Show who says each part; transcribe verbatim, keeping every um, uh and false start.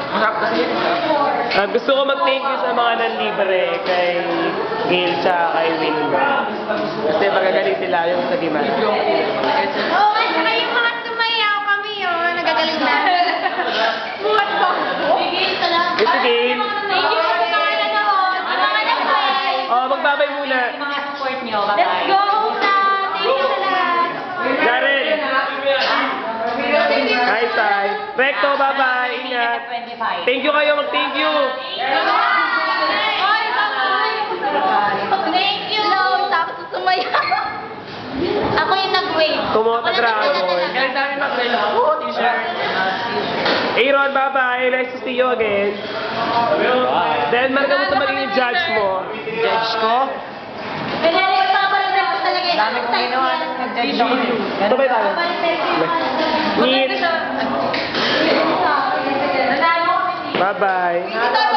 Speaker 1: Masarap kasi.
Speaker 2: Ah, gusto ko mag-thank you sa mga nanlibre kay Gail sa kay Wilma. Kasi magagaling sila yung sa demand.
Speaker 3: Oo, oh, at saka yung mga sumayaw kami yun, nagagaling na. Buhat ko. Sige, salamat.
Speaker 2: Yes, Gail.
Speaker 3: Thank you po sa mga nanood, sa mga nag-play.
Speaker 2: Oh, magbabay muna.
Speaker 3: Mga support nyo, bye-bye. Let's go na! Thank you sa lahat.
Speaker 2: Darren. Hi, Sai. Recto, bye-bye. Ingat. Thank you kayo. Mag-thank you.
Speaker 3: Bye, bye-bye. Thank you. Tapos sumayaw. Ako yung nag-wave.
Speaker 2: Kumota Dragon.
Speaker 1: Galing namin mag-rail ako. T-shirt.
Speaker 2: Aaron, bye-bye. Nice to see you again. Then, marga mo ito magiging judge mo.
Speaker 1: Judge ko.
Speaker 3: Pinalik pa pa rin ako talaga.
Speaker 1: Dami kong ginawa ng nag-judge ako.
Speaker 2: Ito ba tayo? Need.
Speaker 3: Nanalo kami.
Speaker 2: Bye-bye.